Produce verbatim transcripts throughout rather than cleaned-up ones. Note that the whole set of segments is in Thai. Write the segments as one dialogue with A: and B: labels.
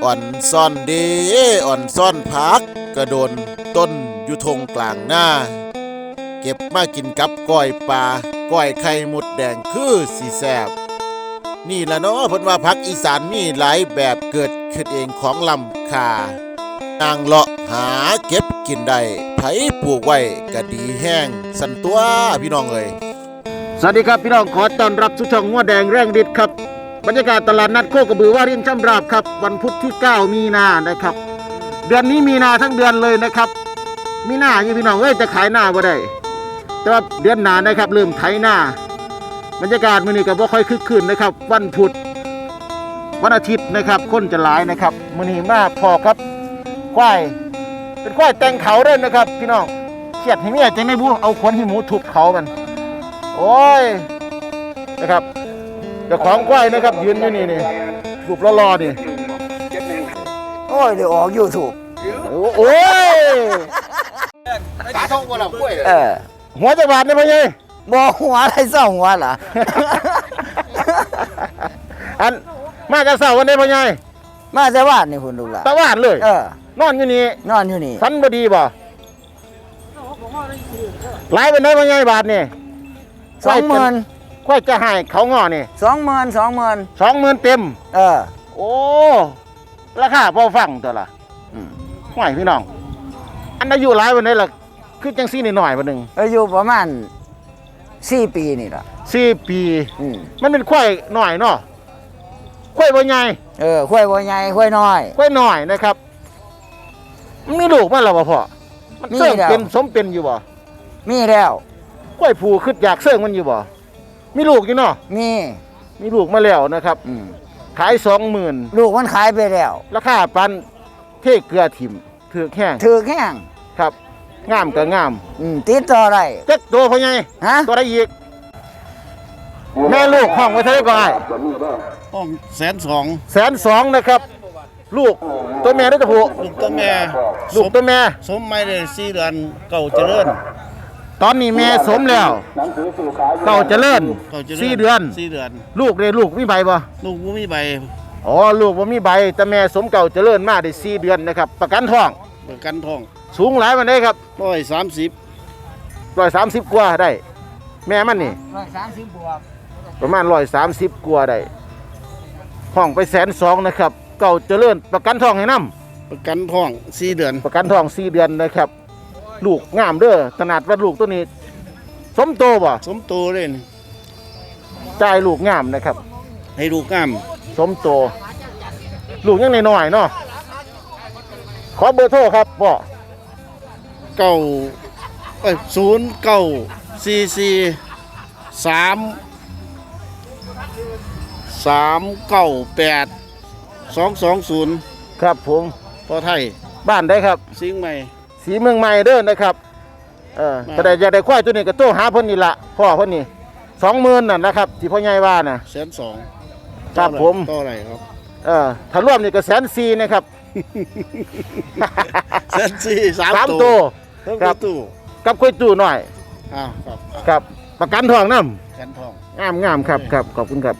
A: อ่อนซ่อนเดอ่อนซ่อนพักกระโดนต้นอยู่ทงกลางหน้าเก็บมากินกับก้อยปลาก้อยไข่มดแดงคือสีแซบนี่ละเนาะเพิ่นว่าพักอีสานมีหลายแบบเกิดขึ้นเองของลำคานางเลาะหาเก็บกินได้ไผปลูกไว้ก็ดีแห้งสันตัวพี่น้องเอ้ยสวัสดีครับพี่น้องขอต้อนรับสู่ช่องงัวแดงแรงฤทธิ์ครับบรรยากาศตลาดนัดโคกระบือว่ารินช่ำราบครับวันพุธที่เก้ามีนานะครับเดือนนี้มีนาทั้งเดือนเลยนะครับมีนาอยู่พี่น้องเอ้ยจะขายหน้าบ่ได้แต่ว่าเดือนหน้านะครับเริ่มไถหน้าบรรยากาศมื้อนี้ก็บ่ค่อยคึกคืนนะครับวันพุธวันอาทิตย์นะครับคนจะหลายนะครับมื้อนี้มาพอครับควายเป็นควายแต่งเขาเด้อนะครับพี่น้องเขียดให้เมียจังได๋บ่เอาขนให้หมูทุบเขามันโอ้ยนะครับเจ้าของควายนะครับยืนอยู่นี่นี่รูปรอๆนี่
B: โอ้ยเดี๋ยวออกยูทูบ
A: โอ้ยตาทองบ่ล่ะกล้วยเออหัวจักบาทนี่พ่อใหญ่
B: บ่หัวอะไรเศร้าหัวล่ะ
A: อันมาจะเศร้าวันนี้พ่อใหญ่
B: มาแต่บ้านนี่พุ่นลูกล่ะ
A: ตะว่านเลยเออนอนอยู่นี่
B: นอนอยู่นี่
A: ฝันบ่ดีบ่หลายเป็นได้พ่อใหญ่บาทนี่
B: สองหมื่น
A: ควายจะให้เขางอนี่
B: สองหมื่น สองหมื่น
A: สองหมื่นเต็ม
B: เออ
A: โอ้ราคาพอฟังตัวล่ะอืมห่วยพี่น้องอันอายุหลายวันนี้ล่ะคือจังซี่นิดหน่อยบ่นึง
B: อายุประมาณสี่ปีนี่ล่ะ
A: สี่ปี
B: อืม
A: มันเป็นควายน้อยเนาะควายบ่ใหญ่
B: เออควายบ่ใหญ่ควายน้อย
A: ควายน้อยนะครับมันมีลูกมาแล้วบ่พ่อมันเสื่อมเป็นสมเป็นอยู่บ่
B: มีแล้ว
A: ควายผูขึ้นอยากเสื่อมมันอยู่บ่มีลูกอยู่เนาะ
B: มี
A: มีลูกมาแล้วนะครับอืมขาย สองหมื่น
B: ลูกมันขายไปแล้ว
A: ราคาปันเทเกลือถิ่มถือแห้ง
B: ถือแห้ง
A: ครับงามก็งาม
B: อืมติดต่อได้
A: เจ็ดตัวพ่อใหญ่ฮะตัวได้อีกแม่ลูกห้องไว้เท่าไหร่ก็ได้
C: ห้องแสนสอง
A: แสนสองนะครับลูกตัวแม่ด้วยตัวผู้
C: ลูกตัวแม่
A: ลูกตัวแม่
C: สมไม่ได้สี่เดือนเก่าเจริญ
A: ตอนนี้แม่สมแล้วเก่าเจริญสี่เดือน
C: สี่เดือน
A: ลูกเลยลูกมีใบบ่
C: ลูกบ่มีใบ
A: อ๋อลูกบ่มีใบแต่แม่สมเก่าเจริญมาได้สี่เดือนนะครับประกันท้อง
C: ประกันท้อง
A: สูงหลายมันได้ครับ
C: ร้อยสามสิบ
A: ร้อยสามสิบกว่าได้แม่มันนี่
B: ร้อยสามสิบบวก
A: ประมาณร้อยสามสิบกว่าได้ห้องไปแสนสองนะครับเก่าเจริญประกันท้องให้นำ
C: ประกันท้องสี่เดือน
A: ประกันท้องสี่เดือนนะครับลูกงามเด้อขนาดว่าลูกตัวนี้สมโตบ่
C: สมโตเลย
A: จ่ายลูกงามนะครับ
C: ให้ลูกงาม
A: สมโตลูกยังน้อยๆเนาะขอเบอร์โทรครับพ่อ
C: เก้าเอ้ยศูนย์เก้าสี่สี่สามสามเก้าแปดสองสองศูนย์
A: ครับผม
C: พ่อไทย
A: บ้านได้ครับ
C: สิงห์ใหม่
A: สีเมืองใหม่เด้อนะครับเออแต่ได้อยากได้ควายตัวนี้ก็โตหาเพิ่นนี่ละพ่อเพิ่นนี่สองหมื่นนั่นนะครับที่พ่อใหญ่ว่าน่ะ
C: แสนสอง
A: ครับผม
C: ต่ออะไรครับ
A: เออถ้ารวมนี่ก็แสนสี่นะครับ
C: แสนสี่สาม
A: ตัว
C: ครับ
A: กับคุยตู้หน่อย
C: อ้าวครับ
A: ครับประกันทองน้
C: ำประกันทอง
A: งามงามครับครับขอบคุณครับ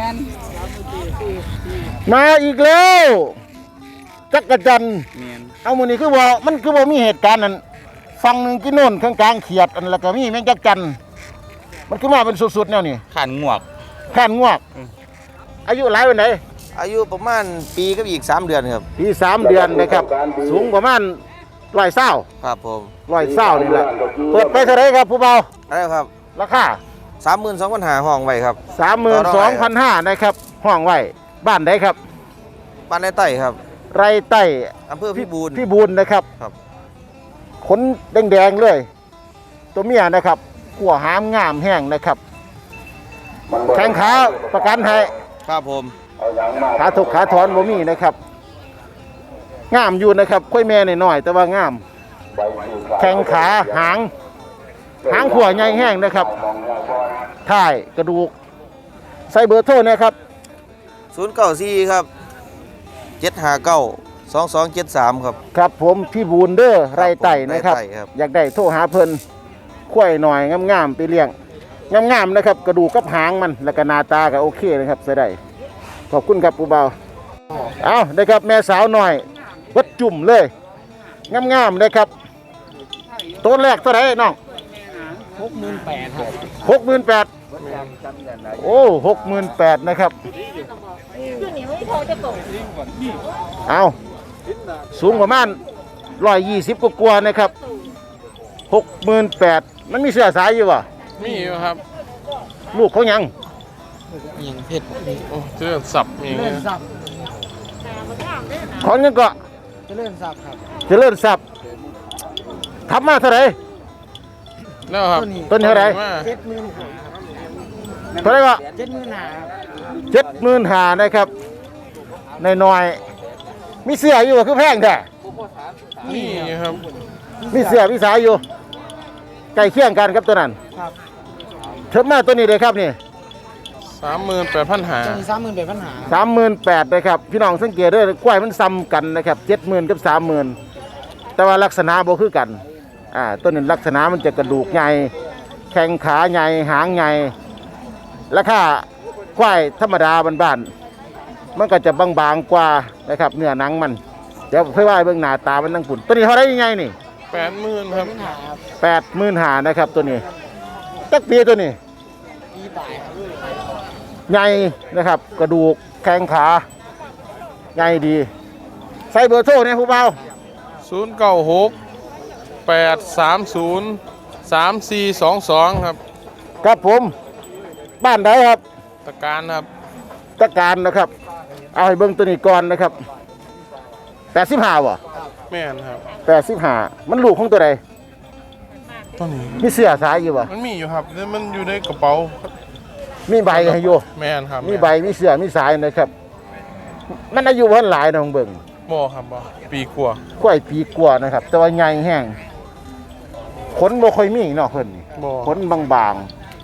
A: มาอีกแล้วจักรจันเอามือนี้คือว่ามันคือว่ามีเหตุการณ์นั้นฟังหนึ่งกินโน่นข้างกลางเขียดอันแล้วก็มีแมงจักรจันมันคือมาเป็นสุดๆแนวนี้
D: ขันงวก
A: ขันงวกอายุหลายวันไหน
D: อายุประมาณปีกับอีกสามเดือนครับ
A: ปีสามเดือนนะครับสูงประมาณร้อยเศร้า
D: ครับผม
A: ร้อยเศร้านี่แหละเปิดไปเท่าไรครับผู้เบา
D: อะไรครับ
A: ราคา
D: สามหมื่นสองพันห้าห้องไว้ครับ
A: สามหมื่นสองพันห้านะครับห้องไว้บ้านไหนครับ
D: บ้านในไต่ครับ
A: ไรไต่
D: อำเภอพิบูล
A: พิบูลนะครับ
D: ครับ
A: ขนแดงๆเลยตัวเมียนะครับขั่วหามงามแห้งนะครับแข้งขาประกันให้
D: ครับผม
A: ขาถกขาถอนบ่มีนะครับงามอยู่นะครับค่อยแม่หน่อยๆแต่ว่างามแข้งขาหางหางขั่วใหญ่แห้งนะครับถ่ายกระดูกใส่เบอร์โทรนะครับ
D: ศูนย์เก้าสี่ครับเจ็ดห้าเก้าสองสองเจ็ดสามครับ
A: ครับผมพี่บูนเดอร์ไรไต่นะครับอยากได้โทรหาเพิ่นค่อยหน่อยงามๆไปเลี้ยงงามๆนะครับกระดูกกับหางมันแล้วก็หน้าตาก็โอเคนะครับใส่ได้ขอบคุณครับปูเบาเอานะครับแม่สาวหน่อยวัดจุ่มเลยงามๆนะครับตัวแรกเท่าไหร่น้อง
B: หกหมื่นแปดครับ
A: หกหมื่นแปดโอ้หกหมื่นแปดนะครับเอาสูงประมาณร้อยยี่สิบกว่าๆนะครับหกหมื่นแปดมันมีเสื้อสายอยู่วะ
E: มีอยู่ครับ
A: ลูกเขายัง
B: ยังเพชร
E: โอ้เจริญสับอย่าง
B: เลื่
E: เงี้
B: อย นซับ
A: ขอนยังก็
B: จะเลื่อนซับครับ
A: เจะเลื่อนสับทำมาเท่าไหร่
E: แล้วครับ
A: ต้นเท่าไหร่
E: มา
B: เจ็ดหมื่นห้า
A: เท่าไหร่ก็
B: เจ็ดหมื่นห้าครับ
A: เจ็ดหมื่นหานะครับในน้อยๆมีเสื้ออยู่บ่คือแพงแท้
E: นี่ครับ
A: มีเสื้อมีสายอยู่ใกล้เคียงกันครับตัวนั้น
B: ครับ
A: เทิมมาตัวนี้เลยครับนี่
E: สามหมื่นแปดพันหา
B: จะมีสามหมื่นแปดพันหา
A: สามหมื่นแปดนะครับพี่น้องสังเกตด้วยกล้วยมันซ้ำกันนะครับเจ็ดหมื่นกับสามหมื่นแต่ว่าลักษณะบ่คือกันอ่าตัวนี้ลักษณะมันจะกระดูกใหญ่แข้งขาใหญ่หางใหญ่ราคาควายธรรมดาบ้านๆมันก็จะบางๆกว่านะครับเนื้อหนังมันเดี๋ยวเพื่อว่าเบื้องหน้าตามันนั่งปุ่นตัวนี้เท่าไรยังไงนี่
E: แปดหมื่นครับ
B: หาครับ
A: แปดหมื่นหานะครับตัวนี้ตักปีตัวนี้
B: ปีตายครับ
A: ใหญ่นะครับกระดูกแข้งขาใหญ่ดีใส่เบอร์โทรเนี่ยผู้เบา
E: ศูนย์เก้าหกแปดสามศูนย์สามสี่สองสองครับ
A: ครับผมบ้านไหนครับ
E: ตะการครับ
A: ตะการนะครับเอาให้เบิ้งตัวนี้ก่อนนะครับแปดสิบห้าวะ
E: แม่นครับ
A: แปดสิบห้ามันลูกของตัวใด
E: ตัวนี้
A: มีเสื้อสายอยู่วะ
E: มันมีอยู่ครับแล้วมันอยู่ในกระเป๋า
A: มีใบให้อยู่
E: แม่นครับ
A: มีใบมีเสื้อมีสายนะครับ มันอายุเพิ่นหลายนะของเบิ่ง
E: บ่ครับบ่ปีกว่า
A: กล้วยปีกว่านะครับ แต่ว่าใหญ่แห้งขนบ่ค่อยมีเนาะเพิ่นนี่
E: บ่
A: ขนบาง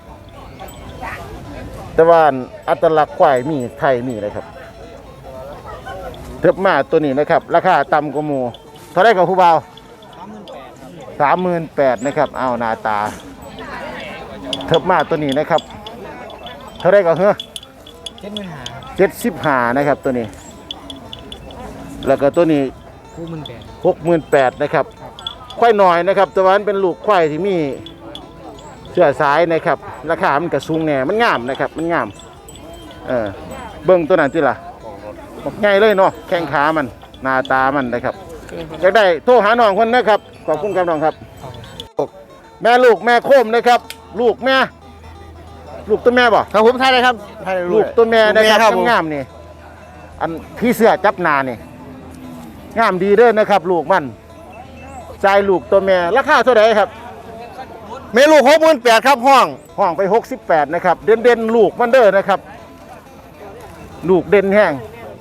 A: ๆ แต่ว่าอัตลักษณ์ควายมีไทยมีนะครับเทิบมาตัวนี้นะครับ ราคาต่ำกว่าหมู่เท่าไรกับผู้บ่าว
B: สามหมื่นแปดครับ
A: สามหมื่นแปดนะครับ เอาหน้าตาเทิบมาตัวนี้นะครับ เท่าไรกับเฮ้อ
B: เจ็ดหมื่นห้าครับ
A: เจ็ดสิบห้านะครับตัวนี้ แล้วก็ตัวนี้
B: หกหมื่นแปด
A: หกหมื่นแปดนะครับ ควายหน่อยนะครับ แต่ว่ามันเป็นลูกควายที่มีเสื้อสายนะครับ ราคามันกระสูงแน่มันงามนะครับ มันงาม เออเบิ้งตัวนั้นที่ล่ะบอกง่ายเลยเนาะแข้งขามันหน้าตามันนะครับอยากได้โทรหาน้องคนนะครับขอบคุณครับน้องครับ แม่ลูกแม่โคมนะครับ ลูกแม่ ลูกตัวแม่บ่
C: ครับผมไทยเลยครับไทย
A: ลูกตัวแม่นะครับ
C: ครับผม
A: งามๆนี่อันพี่เสื้อจับหนานี่งามดีเด้อนะครับ ลูกมันใจลูกตัวแม่ราคาเท่าไหร่ครับ
C: เมลูหกหมื่นแปดครับห้อง
A: ห้องไปหกสิบแปดนะครับ เด่นเด่นๆลูกมันเด้อนะครับ ลูกเด่นแห้ง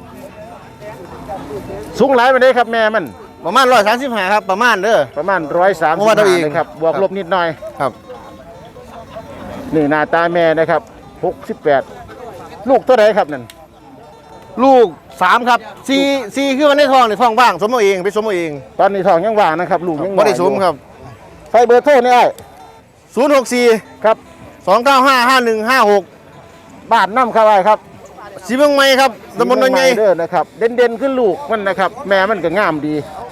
A: สูงหลายไปเลยครับแม่มัน
C: ประมาณร้อยสามสิบห้าครับประมาณเด้อ
A: ประมาณร้อยสาม
C: เพ
A: สิบ
C: ราะว่าตัวเอง
A: นะครับบวก
C: ครับ
A: ลบนิดหน่อย
C: ครับ
A: นี่หน้าตาแม่นะครับหกสิบแปดลูกเท่าไหร่ครับนั่น
C: ลูกสามครับสี่สี่คือวันในท้องในท้องว่างสมเอาเองไปสมเอาเอง
A: ตอนนี้ทองยังว่างนะครับ ลูกยัง
C: บ่ได้สมครับ
A: ใส่เบอร์โทรนี่ไอ้
C: ศูนย์หกสี่
A: ครับ
C: สองเก้าห้าห้าหนึ่งห้าหก
A: บ้านน้ำครับไอ้ครับ
C: สีเมืองใหม่ครับตำบลนนท์ใหญ่
A: เด้อนะครับ เด่นเด่นๆขึ้นลูกมันนะครับ แม่มันก็งามดี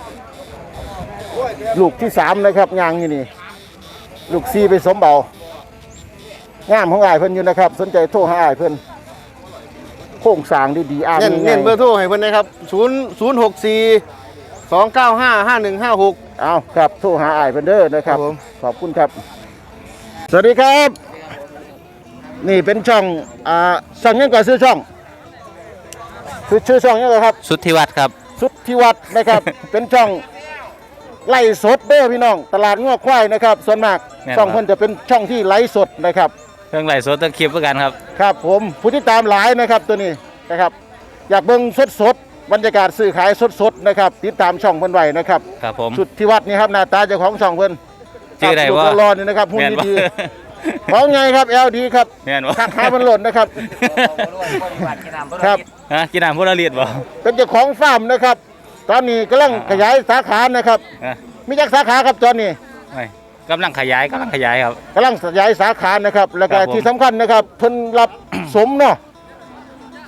A: ลูกที่สามนะครับยางอยู่นี่ ลูกซีไปสมเบางามของอ้ายเพิ่นอยู่นะครับ สนใจโทรหาอ้ายเพิ่นโครงสร้างดีๆอ่าน
C: เน้น
A: ง่ายๆ
C: เน้นเบอร์โทรให้เพิ่นนะครับศูนย์ศูนย์หกสี่สองเก้าห้าห้าหนึ่งห้าหก
A: เอาครับโทรหาอ้ายเพิ่นเด้อนะครับ
C: ครับผม
A: ขอบคุณครับ สวัสดีครับ นี่เป็นช่องอ่าสั่งยังก่อนซื้อช่องคือชื่อช่องยังไงครับ
F: สุทธิวัฒน์ครับ
A: สุทธิวัฒน์นะครับ เป็นช่องไล่สดเด้อพี่น้อง ตลาดงอกควายนะครับ ส่วนมาก
F: แม่นครับ
A: ช่องเพิ่นจะเป็นช่องที่ไลฟ์สดนะครับ
F: เครื่องไหลฟ์สดต้องคลิปเหมือนกันครับ
A: ครับผมผู้ที่ตามหลายนะครับตัวนี้นะครับ อยากเบิ่งสดสดๆบรรยากาศซื้อขายสดสดๆนะครับ ติดตามช่องเพิ่นไว้นะครับ
F: ครับผม
A: สุทธิวัฒน์นี่ครับหน้าตาเจ้าของช่องเพิ่น
F: ชื่ออะไร
A: ครับ
F: วะ
A: ลูกรอนี่นะครับหุ่น
F: แม่นบ่
A: ดีๆของไงครับแอลดีครับ
F: แม่นบ่
A: ทักหามันหล่นนะครับ ครับ
F: ฮะกินน้ำพวกเราเรียดบ่
A: เป็นเจ้าของฟาร์มนะครับ ตอนนี้กำลังขยายสาขานะครับ
F: ฮะ
A: มีจักสาขาครับตอนนี้
F: ไม่กำลังขยายกำลังขยายครับ
A: กำลังขยายสาขานะครับ แล้วก็
F: ครับผม
A: ที่สำคัญนะครับเพิ่นรับ สมเนาะส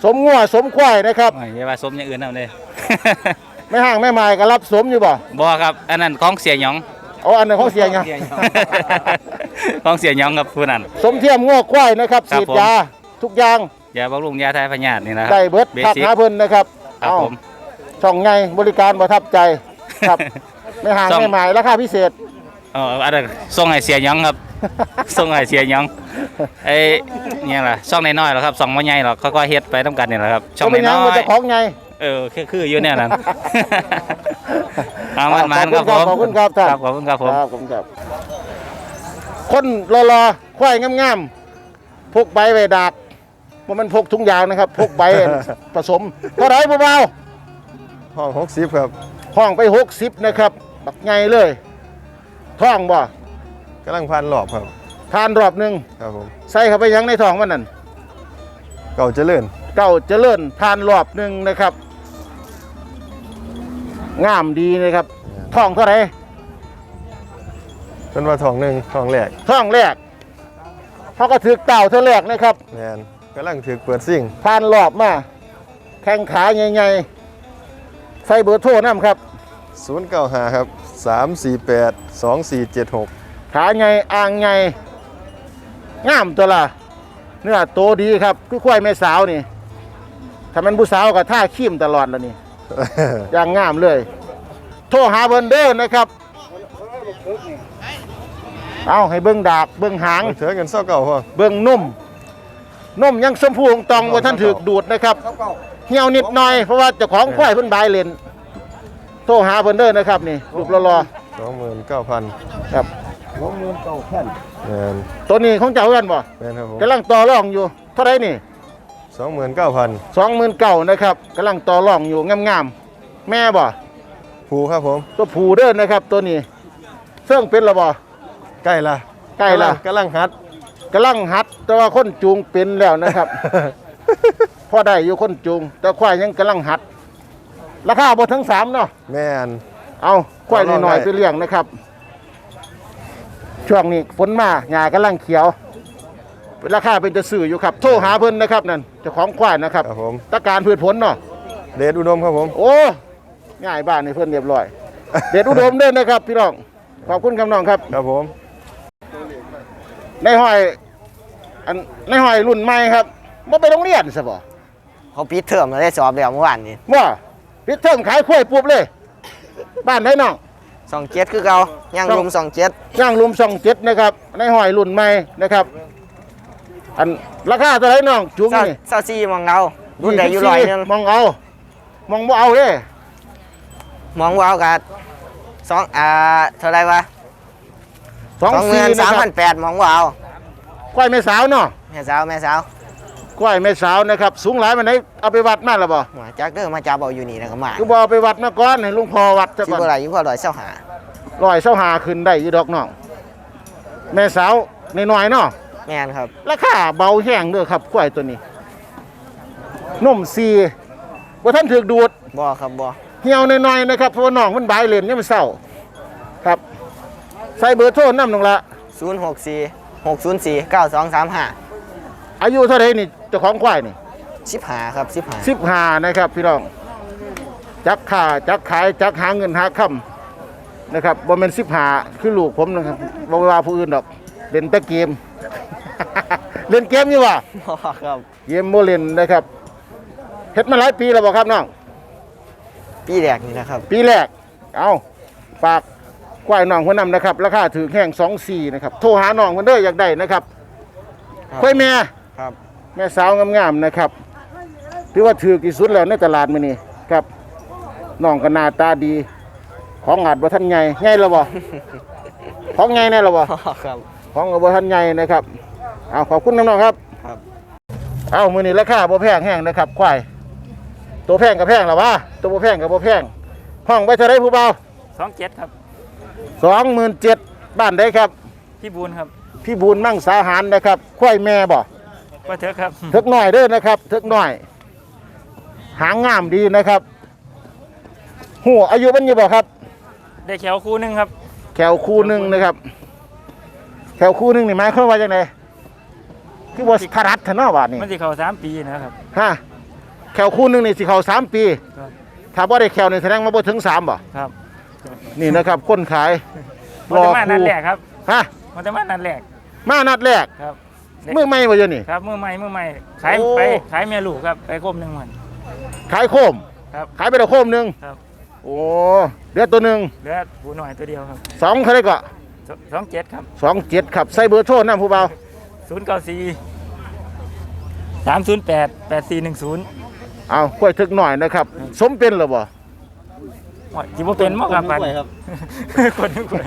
C: สมงัวสมควายนะครับ
F: โอ้ยอย่าว่าสมอย่างอื่นเอาเลย
C: แม่ห้างแม่ไม้ก็รับสมอยู่บ่
F: บ่ครับอันนั้นของเสียหยอง
C: เอาอันนั้นของเสียงไง
F: ของเสียหยองครับผู้นั้น
C: สมเทียมงัวควายนะครับ
F: ครับ
C: ฉีด
F: ผม
C: ยาทุกอย่าง
F: ยาบำรุงยาทายพยาธินี่นะครับ
C: ได้เบิด
F: เบ
C: ทัก
F: สิก
C: หาเพิ่นนะครับ
F: ครับ
C: เอา
F: ผม
C: ช่องไงบริการประทับใจครับ แม่ห้าง
F: ช่อง
C: แม่ไม้ราคาพิเศษ
F: เอออันนั้นส่งให้เสียหยองครับ ส่งให้เสียหยองไอ้เนี่ยล่ะช่องน้อยๆหรอครับช่องบ่ใหญ่หรอกค่อยๆเฮ็ดไปนํกันนี่แหละครับช่อง
C: ก็เป็นหยั
F: น้
C: ง
F: อ
C: มัน
F: ย
C: จะของไง
F: ๆเออคือคืออยู่เนี่ยนั้น เอามันมันครับผม
C: ขอบคุณครับท่าน
F: ครับขอบคุณครับผม
C: ครับผมครับ คนรอๆควายงามๆพกใบไว้ดากว่ามันพกถุงยางนะครับ พกใบ ผสมเท่าไหร่เบา
G: ห้องหกสิบครับ
C: ๆห้องไปหกสิบนะครับบักไงเลยท้องบ่
G: กำลังพันหลอบครับ
C: ทานรอบหนึ่ง
G: ครับผม
C: ใส่เข้าไปยังในท้องมันนั่น
G: เก่าเจริญ
C: เก่าเจริญทานรอบหนึ่งนะครับงามดีนะครับท้องเท่าไหร่
G: เป็นว่าทองหนึ่งทองแหลก
C: ท้องแรกเขาก็ถือเต่าเท่าแรกนะครับ
G: แมนกำลังถือเปิดซิ่ง
C: ทานรอบมาแข้งขาใหญ่ๆใส่เบอร์โทรน้ำครับ
G: ศูนย์เก้าห้าครับสามสี่แปดสองสี่เจ็ดหก
C: ขาไงอ่างไงงามตัวละเนื้อโตดีครับคือควายแม่สาวนี่ถ้ามันผู้สาวก็ท่าขี้มตลอดแล้วนี่ อย่างงามเลย โทรหาเบอร์เดอร์นะครับ เอาให้เบิ้งดากเบิ้งหาง
G: เถือเงินเศร้าเก่าพ่อ
C: เบิ้งนุ่มนุ่มยังสมพูงตองว่าท่านถือดูดนะครับเหี่ยวนิดหน่อยเพราะว่าเจ้าของควายเพิ่นบายเลนโทรหาเบอร์เดอร์นะครับนี่รูปรอ
G: สองหมื่นเก้าพัน
C: ๆครับ
G: แมน
C: ตัวนี้ของเจ้ากันบ่
G: แมนครับผม
C: กำลังต่อรองอยู่เท่าไรนี่
G: สองหมื่นเก้าพัน
C: สองหมื่นเก่านะครับกำลังต่อรองอยู่งามๆแม่บ่
G: ผูครับผม
C: ตัวผูเด้อนะครับ ตัวนี้เสื่องเป็นระบ่
G: ใกล้ละ
C: ใกล้ละ
G: กำลังฮัด
C: กำลังหัด แต่ว่าคนจูงเป็นแล้วนะครับ พอได้อยู่คนจูง แต่ควายยังกำลังหัด ราคาบ่ถึงสามเนาะ
G: แมน
C: เอาควาย
G: ต่อรอง
C: น้อย
G: ได้
C: ๆไปเลี้ยงนะครับ ช่วงนี้ฝนมาหญ้ากำลังเขียว ราคาเป็นจะซื้ออยู่ครับ โทรหาเพิ่นนะครับนั่นเจ้าของควายนะครับ
G: ครับผม
C: ตะการพืชผลเนาะ
G: เดชอุดมครับผม
C: โอ้ง่ายบ้านในเพื่อนเรียบร้อย เด็ดอุดมเด้อนะครับ พี่น้องขอบคุณคำน้องครับ
G: ครับผม
C: ในห้อยอันในห้อยรุ่นใหม่ครับบ่ไปโรงเรียนซะบ่
B: เขาปิดเทอมแล้วได้สอบแล้วเมื่อวานนี้
C: ว่าปิดเทอมขายกล้วยปุ๊บเลย บ้านไหนน้อง
B: สองเจ็ดคือเก่าย่างรุมสองเจ็ด
C: ย่างลุมช่องเจ็ดนะครับ ในห้อยรุ่นใหม่นะครับ อันราคาเท่าไหร่น้องจุง
B: เศร้า
C: นี่
B: เศร้าซีมองเรารุ่นใดอยู่ร้อยหนึง
C: มองเอา มองบ่เอาเด้
B: มองว้าวกับสองอ่าเท่าไรวะ
C: สอง
B: สองห
C: สี่
B: มื่น
C: นะ
B: สาม
C: ครั
B: พั
C: บ
B: นแปดมองว้าว
C: กล้วยแม่สาวเนาะ
B: แม่สาวแม่สาว
C: กล้วยแม่สาวนะครับ สูงหลายมันได้เอาไปวัดมาแล้วบ่
B: หัวจักเด้อมาจับเอาอยู่นี่นะก็มา
C: คือบ่เอาไปวัดมาก่อนให้ลุงพ่อวัดซะ
B: ที่
C: ก่อน
B: บ่ไรอยู่พอร้อยเศร้าหา
C: ร้อยเสาหาขึ้นได้อยู่ดอกน้องแม่สาวน้อยๆเนาะ
B: แม่นครับ
C: ราคาเบาแห้งเด้อครับกล้วยตัวนี้นมซีว่าท่านถือดูด
B: บ่ครับบ่
C: เหี่ยวน้อยๆนะครับเพราะว่าน้องมันบายเลนเนี่ยมันเศร้าครับ ใส่เบอร์โทรน้ำหนึ่งละ
B: ศูนย์หกสี่หกศูนย์สี่เก้าสองสามห้า
C: อายุเท่าไหรนี่เจ้าของควายนี่
B: สิบหาครับสิบหา
C: สิบห้านะครับพี่น้องจักค่าจักขายจักหาเงินหาคำนะครับบ่แม่นสิบห้าคือลูกผมนะครับบ่ว่าผู้อื่นดอกเล่นแต่เกม เล่นเกมอยู่วะ
B: บ่ครับ
C: เกมโมเล่นนะครับเฮ็ดมาหลายปีแล้วบ่ครับน้อง
B: ปีแรกนี่นะครับ
C: ปีแรกเอาฝากควายน้องคนนำนะครับ ราคาถือแห้งสองสี่นะครับโทรหาน้องคนเด้ออยากได้นะครับควายแม่
B: ครับ
C: แม่สาวงามๆนะครับถือว่าถือที่สุดแล้วในตลาดมื้อนี้ครับน้องก็หน้าตาดี ของอาจบ่ทันใหญ่ใหญ่แล้วบ่ ของใหญ่แน่แล้วบ่
B: บ่ครับ
C: ของก็บ่ทันใหญ่นะครับเอาขอบคุณน้องๆครับ
B: ครับ
C: เอามื้อนี้ราคาบ่แพงแห้งนะครับควายตัวแพงก็แพงแล้ววะตัวบ่แพงก็บ่แพงห้องไว้เท่าไรผู้เบา
F: สองเจ็ดครับ
C: สองหมื่นเจ็ดบ้านใดครับ
F: พี่บูนครับ
C: พี่บุญมั่งสาหารนะครับควายแม่บ่
F: ว่าเถอะครับ
C: เถิกหน่อยเด้อนะครับเถิกหน่อย หางงามดีนะครับหัวอายุมันอยู่บ่ครับ
F: ได้แขวคู่หนึงครับ
C: แขวคู่หนึ่งนะครับ แขวคู่หนึ่งนี่หมายความว่าจังไดคือบ่ทารัดทะเนาะบาดนี้
F: มันสิเข้าสามปีนะครับ
C: ฮะแขวคู่หนึงนี่สิเข้าสามปีถ้าบ่ได้แขวนี่แสดงว่าบ่ถึงสามบ่
H: ครับ
C: นี่นะครับคนขาย
H: มันจะมานัดแรกครับ
C: ฮะ
H: มันจะมานัดแรก
C: มานัดแรก
H: ครับ
C: มือใหม่บ่เดี๋ยวนี้
H: ครับมือใหม่มือใหม่ขาย
C: โอ้
H: ไปขายเมียลูกครับไปคมหนึ่งมัน
C: ขายโคม
H: ครับ
C: ขายไปแล้วโคมหนึง
H: ครับ
C: โอ้เดือตัวหนึง
H: เหลือผูหน่อยตัวเดียวครับ
C: สองเท่าไหร่ก็
H: สองเจ็ดครับ
C: สองเจ็ดครับใส่เบอร์โทรนำผู้เบา
H: ศูนย์เก้าสี่สามศูนย์แปดแปดสี่หนึ่งศูนย์
C: เอากล้วยถึกหน่อยนะครับ สมเป็นหรือบ่
H: จิบเป็นมั้งครับปันคนนึงคน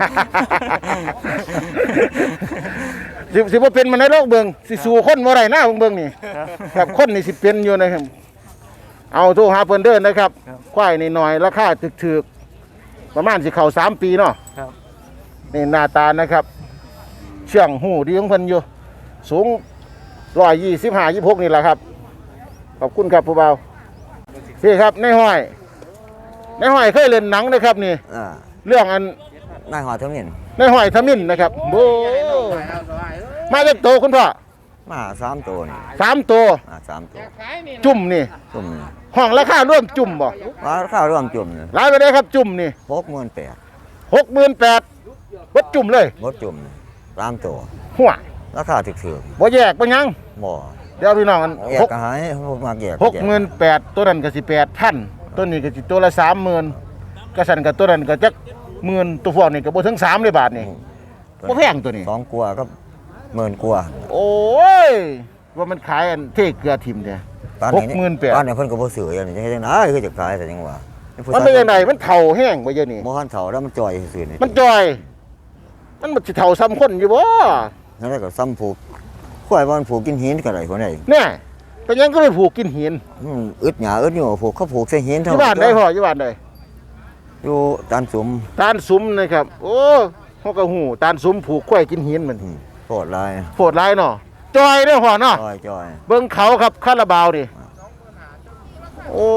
C: สิสิบ่เป็นมันในโลกเบิ่งสิสู่คนบ่ได้นะเบิ่งนี่ครับคนนี่สิเป็นอยู่นะครับเอาโทรหาเพิ่นเด้อนะครับควายนี่หน่อยราคาถึกๆประมาณสิเข้าสามปีเนาะ
H: ครับ
C: นี่หน้าตานะครับ เชื่องหูดีของเพิ่นอยู่ สูงหนึ่งร้อยยี่สิบห้า ยี่สิบหกนี่แหละครับ ขอบคุณครับผู้เบาพี่ครับในห้อยในห้อยเคยเล่นหนังนะครับนี่
I: อ่า
C: เรื่องอัน
I: นายหอทมิน
C: ในห้อยทมินนะครับโบมาจากโตคุณพ่อ
I: มาสามตัวนี่
C: สามตัว
I: มาสามตัว
C: จุ่มนี่
I: จุ่ม
C: ห้องราคาร่วมจุ่มบ่
I: ว่าข้าวร่วมจุ่มนี่
C: รายไปได้ครับจุ่มนี่
I: หกหมื่นแปด
C: หกหมื่นแปดวัดจุ่มเลย
I: บดจุ่มนี่สามตัว
C: หัว
I: ราคาถึกถึก
C: บ่แยกบ่หยัง
I: บ่
C: เดี๋ยวพี่น้องกัน
I: แย
C: ห
I: ก
C: ก
I: ก็หายพวกมาแยก
C: หกหมื่นแปดตัวนั้นก็สิแปดพันตัวนี้ก็สิตัวละสามหมื่นกระสันกับตัวนั้นก็จักหมื่นตัวพวกนี้ก็บ่ถึงสามเลยบาทนี่บ่แพงตัวนี้
I: สองกลัวาก็หมื่นกลัวา
C: โอ้ยว่ามันขายอันเทเกลือทิมเนี่ย
I: ตอน
C: ห
I: นี้
C: กหมื่นแปด
I: ตอนนี้เพิ่นก็บ่ซื้ออย่างนี้จังได๋คือจะขายแต่จังว่า
C: มันเป็นยังไงมันเฒ่าแห้งบ่เยอะนี่
I: บ่ทันเฒ่าแล้วมันจ่อยซื่อๆนี่
C: มันจอย มันบ่สิเฒ่าซ้ำคนอยู่บ่
I: นั่นแหละก็ซ้ำผูกข่อยว่ามันผูกกินหินก็ได้คนใด
C: เนี่ยเป็นหยังก็ไปผูกกินหิน
I: อืมอึดหยาอึดอยู่ผูกเขาผูกใส่หิน
C: อ
I: เท่า
C: ยู่บ้านได้พ่ออยู่บ้านได้
I: อยู่ตานสุม
C: ตาลสุมนะครับ โอ้เฮาก็ฮู้ตาลสุมผูกควายกินหินมัน
I: อืมโคตรลาย
C: โหดร้ายเนาะจอยเด้อพ่อเนาะ
I: จ่อยจ่อย
C: เบิ่งเขาครับคาราบาวนี่โอ้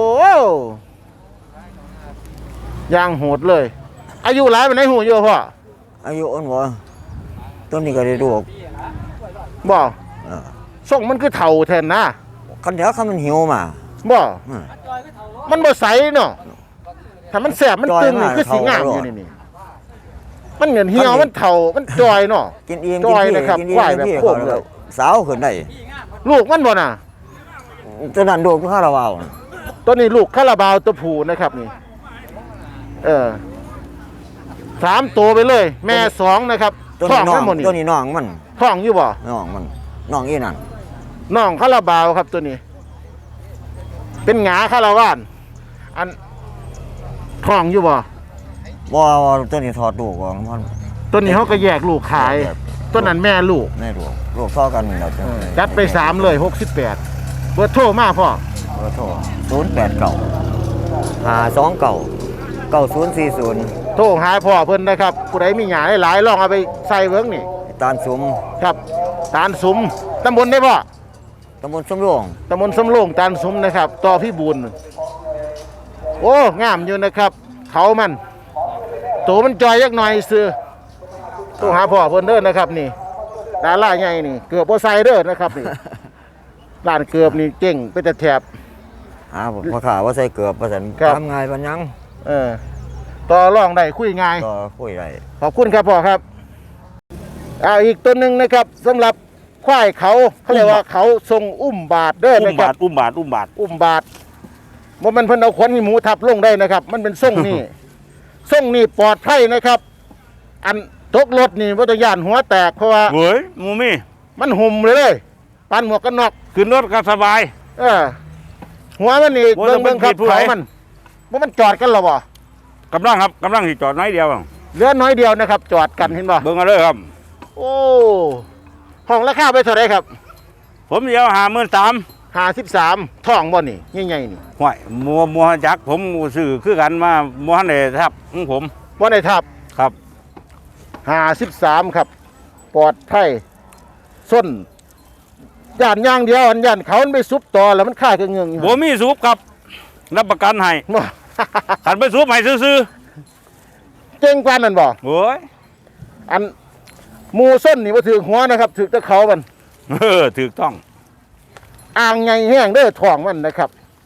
C: ยางโหดเลย อายุหลายปานไหนหูอยู่พ่อ
I: อายุอ่อนบ่ต้นนี้ก็ได้ลูก
C: บ่
I: อ่า
C: ส่งมันคือเฒ่าแทนนะ
I: คันเดียวคันมันหิวมา
C: บ่
I: อืม
C: มันบ่ใสเนาะถ้ามันแสบมันตึงนี่
I: จอยมาก
C: คือสีงาม
I: เฒ่า
C: อยู่นี่นี่มันเหมือนเหี่ยวมันเฒ่ามันจอยเนาะ
I: กินอิ่ม
C: จอย
I: กิน
C: นะครับ
I: กินอิ่ม
C: ควายแบบ
I: กินอิ่ม
C: โคมเลย
I: สาวขึ้นได้
C: ลูกมันบ่น่ะ
I: ตัวนั้นลูกข้าระวาว
C: ตัวนี้ลูกคาราบาวตัวผู้นะครับนี่ เออสามตัวไปเลย แม่สองนะครับ
I: ตัว
C: ท้อ
I: นี้
C: ง
I: น้อ
C: ทั้
I: ง
C: งหมดนี่
I: ตัวนี้น้องมัน
C: ท้องอยู่บ่
I: น้องมันน้องอีนั่น
C: น้องคาราบาวครับตัวนี้ เป็นหงาคาราวาน อันท้องอยู่บ่
I: บ่ว่าตัวนี้ถอดลูกออกมัน
C: ตัวนี้เขาก็แยกลูกขาย ตัวนั้นแม่ลูก
I: แม่ลูกลูกเท่ากันแล้วจ้ะ
C: จัดไปสามเลยหกสิบแปดเบอร์โทรมาพ่อ
I: ขอโทษศูนย์แปดเก้าห้าสองเก้าเก้าศูนย์สี่ศูนย์
C: โทรหาพ่อเพิ่นนะครับผู้ใดมีหยาหลายๆลองเอาไปใส่เบิ้งนี่
I: ตาลสุม
C: ครับ ตาลสุมตำบลได้พ่อ
I: ตำบลสมโรง
C: ตำบลสำโรงตาลสุมนะครับต่อพี่บุญโอ้งามอยู่นะครับ เขามันตัวมันจอยยักหน่อยซื้อโทรหาพ่อเพิ่นเด้อนะครับนี่ดาราใหญ่นี่เกือบบ่ใส่เด้อนะครับนี่ ร้านเกือบนี่เก่งไปแต่แถบ
I: หาผมพ่อข่าว่าใส่เกือบว่าสัน
C: ครับ
I: ทำง่ายปัญญัง
C: เออต่อรองได้คุยง่าย
I: ก็คุยได้
C: ขอบคุณครับพ่อครับเอาอีกตัวหนึ่งนะครับสำหรับควายเขาเขาเรียกว่าเขาทรงอุ้มบาทเด้อ
J: อุ้
C: นะ
J: ม
C: ครับ
J: บาทอุ้มบาทอุ้มบาท
C: อุ้มบาทว่ามันเพิ่นเอาขนหมูทับลงได้นะครับ มันเป็นทรงนี่ ทรงนี่ปลอดภัยนะครับ อันตกรถนี่วัตยานหัวแตกเพราะว่า
J: เว้ยหมูมี่
C: มันหุ่มเลยเลยปันหมวกกันน็อก
J: ขึ้นรถก็สบาย
C: เออหัวมันนี่
J: ว่า
C: เบิ่
J: จะ
C: งเบิ่งครับ
J: เป็นผู้ใด
C: เขามันว่ามันจอดกันหรอบ่
J: กำลังครับกำลังสิจอดน้อยเดียว
C: เหลือน้อยเดียวนะครับ จอดกันเห็นบ่
J: เบิ่งเอาเลยครับ
C: โอ้ห้องราคาไปเท่าไหรครับ
J: ผมเดียวหาหมื่นสาม
C: ห้าสิบสามท่องบ่นี่ใหญ่ๆนี่
J: ห่วยมัวมัวจักผมซื้อคือกันมามัวหันเลยครับของผม
C: บ่ได้ทับ
J: ครับ
C: ห้าสิบสามครับ ปลอดภัยส้นย่านอย่างเดียวอันย่านเขามันไปซุบต่อแล้วมันค่ายกันเงืองอยู่
J: บ่มีสูบครับ รับประกันให้
C: บ่
J: ขันไปสูบให้ซื้อ
C: เก่งกว่านั่นบ่
J: ๆโอ้ย
C: อันหมูส้นนี่บ่ถือหัวนะครับถือแตะเขามัน
J: เออถูกต้อง
C: อ่างใหญ่แห้งเด้อท้องมันนะครับ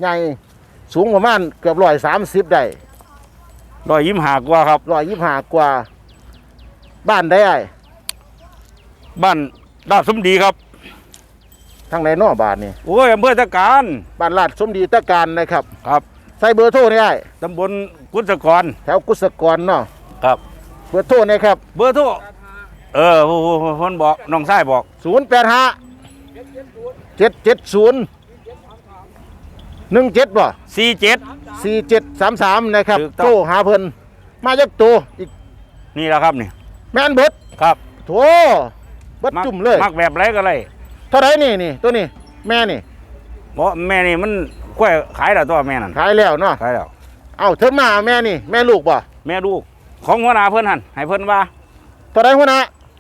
C: ใหญ่สูงประมาณเกือบร้อยสามสิบได้
J: ร้อยยิ้มหากว่าครับ
C: ร้อยยี่สิบห้ากว่าบ้านได้ไอ้
J: บ้านดาดสมดีครับ
C: ทางไหนนอกบ้านนี่
J: โอ้ยอำเภอตะการ
C: บ้านลาดสมดีตะการนะครับ
J: ครับ
C: ใส่เบอร์โทรนี่ไอ้
J: ตำบลกุศกร
C: แถวกุศกรเนาะ
J: ครับ
C: เบอร์โทรนี่ครับ
J: เบอร์โทรเออผู้ผู้ผู้คนบอกน้องชายบอก
C: ศูนย์แปดห้าเจ็ดเจ็ดศูนย์หนึ่งเจ็ดบ่
J: สี่เจ็ด
C: สี่เจ็ดสามสามนะครับ
J: ถูกต้อง
C: โทรหาเพิ่นมาจักตัวอีก
J: นี่แหละครับนี่
C: แม่นเบิด
J: ครับ
C: โถเบิดจุ่มเลย
J: มักแบบไรก็เลย
C: เท่าไหรนี่นี่ตัวนี้แม่นี่
J: บอกแม่นี่มันกล้วยขายแล้วตัวแม่นั่น
C: ขายแล้วเนาะ
J: ขายแล้ว
C: เอ้าเธอมาแม่นี่แม่ลูกบ่
J: แม่ลูกของหัวหน้าเพิ่นหันให้เพิ่นว่า
C: เท่าไหรหัวหน้า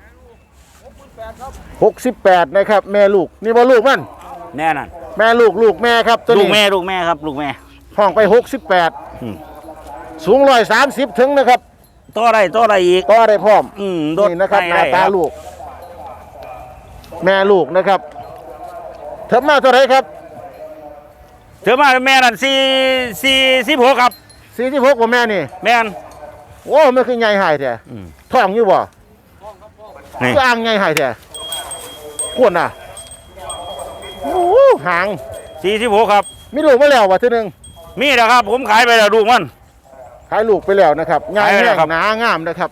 C: หกสิบแปดนะครับ แม่ลูกนี่บ่ลูกมัน
J: แน่นั่น
C: แม่ลูกลูกแม่ครับตัว
J: ลู
C: นี้
J: กแม่ลูกแม่ครับลูกแม่
C: ห้องไปหกสิบแปด
J: อืม
C: สูงร้อยสามสิบถึงนะครับ
J: ต่อได้ต่อได้อีก
C: ก็ได้พร้อม
J: อืมโดด
C: นี่นะครับห
J: ได้
C: น้า
J: ได้
C: ตา
J: ครับ
C: ลูก แม่ลูกนะครับเธอมาเท่าไหรครับ
J: เธอมาแม่นั่นสี่สี่สิบหกครับ
C: สี่สิบหกกว่าแม่นี่
J: แม่น
C: โอ้ไม่คือใหญ่หายแท้
J: อืม
C: ท้องอยู่บ่
J: นี่
C: คืออ่างใหญ่หายแท้ขวนน่ะโอ้โหหาง
J: สี่สิบหกครับ
C: มีลูกมาแล้วว่ะทีหนึง
J: มีแล้วครับ ผมขายไปแล้วลูกมัน
C: ขายลูกไปแล้วนะครับใหญ่
J: ขายไป
C: แห้
J: แล้ว
C: ง
J: ครับ
C: หนางามนะครับ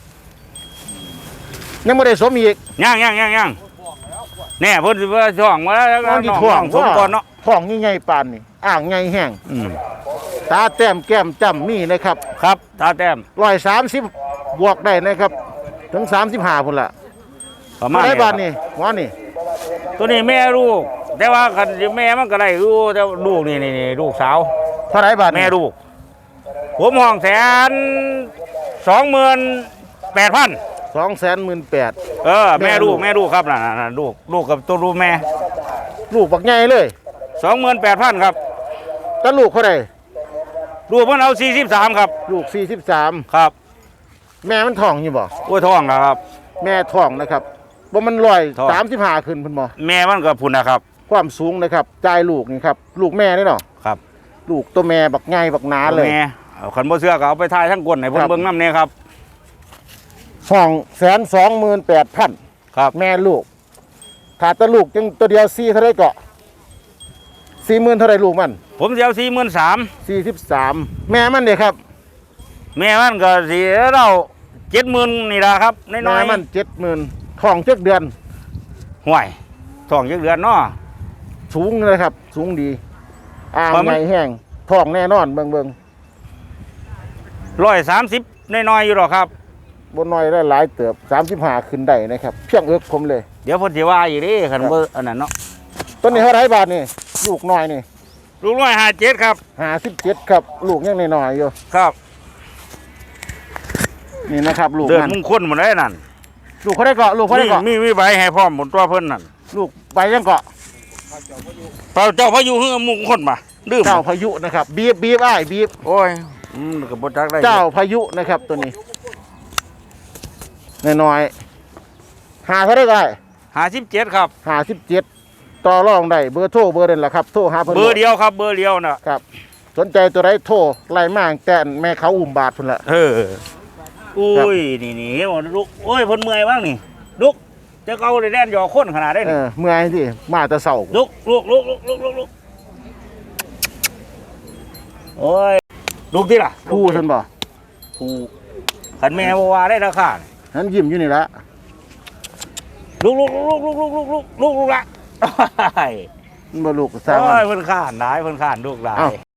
C: ยังไม่ได้สมอีก
J: ย่างย่างย่างย่างแน่เพิ่นสิว่าช่องมาแล้ว
C: น้องที่
J: น้อง
C: ท้อง
J: น้องสมก่อนเนาะ
C: ท้องใหญ่ๆปานนี่อ่างใหญ่แห้ง
J: อืม
C: ตาแต้มแก้มจ้ำมีนะครับ
J: ครับตาแต้ม
C: ร้อยสามสิบบวกได้นะครับ ถึงสามสิบห้าพุ่นละ
J: ประมาณ
C: ได้
J: นี้
C: บาน
J: ครับ
C: นี่หมอนี่
J: ตัวนี้แม่ลูก แต่ว่าคันแม่มันก็ได้อยู่แต่ลูกนี่นี่นี่ลูกสาว
C: เท่าไหรบาทนี่
J: แม่ลูก ผมห้องแสนสองหมื่นแปดพัน
C: สองแสนหมื่นแปด
J: เออ
C: แม่
J: แม่
C: ลู
J: ลู
C: ก
J: กแม่ลูกครับน่ะน่ะน่ะลูกลูกกับตัวลูกแม่
C: ลูกบักใหญ่เลย
J: สองหมื่นแปดพันครับ
C: แต่ลูกเขาได้
J: ลูกมันเอาสี่สิบสามครับ
C: ลูกสี่สิบสาม
J: ครับ
C: แม่มันท้องอยู่บ่
J: กล้วยทองนะครับ
C: แม่ท้องนะครับบ่มันร้อย
J: ท้อง
C: สามสิบห้าขึ้นเพุ่นบ่
J: แม่มันก็พุ่นนะครับ
C: ความสูงนะครับจ่ายลูกนี่ครับลูกแม่นี่เนาะ
J: ครับ
C: ลูกตัวแม่บักใหญ่บักหนาเลย
J: แม่เอาขันบ่เสื้อก็เอาไปทายทั้งก้นให้เพิ่
C: คน รับ
J: เบิ่งน้ำเนี่ยครับ
C: ห้องแสนสองหมื่นแปดพัน
J: ครับ
C: แม่ลูกขาดแตะลูกจังตัวเดียวสี่เท่าไรเกาะสี่หมื่นเท่าไรลูกมัน
J: ผมจะเอาสี่หมื่นสาม
C: สี่สิบสามแม่มันเนี่ยครับ
J: แม่มันก็สีเราเจ็ดหมื่นนี่ละครับน้
C: แม่
J: อย
C: มันเจ็ดหมื่นท้องเจ็ดเดือน
J: ๆห่วยทองจักเดือนเนาะ
C: สูงเลยครับ สูงดีอ่าง
J: ว่ามัน
C: ใหญ่แห้งท้องแน่นอนเบิ่งเบิ่ง
J: ร้อยสามสิบน้อยๆอยู่หรอกครับ
C: บนน้อยได้หลายเติบสามสิบห้าขึ้นได้นะครับ เพียงเอิกผมเลย
J: เดี๋ยวเพ่นสิว่าอีกเดิขันเบอร์อันนั้นเนาะ
C: ต้นนี้เท่าไรบาทนี่ลูกน้อยนี่
J: ลูกร้อยห้าเจ็ดครับ
C: ห้าสิบเจ็ดครับ ลูกยังน้อยๆอยู่
J: ครับ
C: นี่นะครับ ลูก
J: เดิน
C: มัน
J: มุ่งคลหมดเลยนั่น
C: ลูกเขาได้เกาะลูกเขาได้
J: มี
C: เกาะ
J: มีมีใบให้พร้อมหมดตัวเพิ่นนั่น
C: ลูกใบยังเกาะ
J: เปล่าเจ้าพายุเฮือมุ่งคลมาดื้อ
C: เจ้าพายุนะครับบีบบีบอ้ายบีบ
J: โอ้ยอืมกับบจักได้
C: เจ้าพายุนะครับตัวนี้น้อยๆหาเท่าไรก็ได้
J: ห้าสิบเจ็ดครับ
C: หาสิบเจ็ดต่อรองได้เบอร์โทรเบอร์เด่นละครับโทรหาเพิ่น
J: เบอร์เดียวครับ เบอร์เดียวน่ะ
C: ครับ สนใจตัวไรโทรไล่มากแต่แม่เขาอุ่มบาทพุ่นละ
J: เอออุ้ยนี่นี่เห็นบ่ลูกโอ้ยเพิ่นเมื่อยบ้างนี่ลูกจะเอาได้แล่นหยอคนขนาดได้
C: เอ
J: นี่
C: อเมื่อยสิมาแต่เสา
J: ลูกลูกลูกลูกลูกลูกลูกโอ้ยลูกที่ล่ะ
C: ผู้ท่านบ่
J: ผู้ขันแม่บ่ว่าได้ราคานี่
C: นั้นยิ้มอยู่นี่ละ
J: ลูกลูกลูกลูกลูกลูกลูกลูกลูกละ
C: มันบ่ลูกสร้าง
J: โอ้
C: มัน
J: ยเพิ่นข้านหลายเพิ่นข้านลูกหลาย
C: เอ้า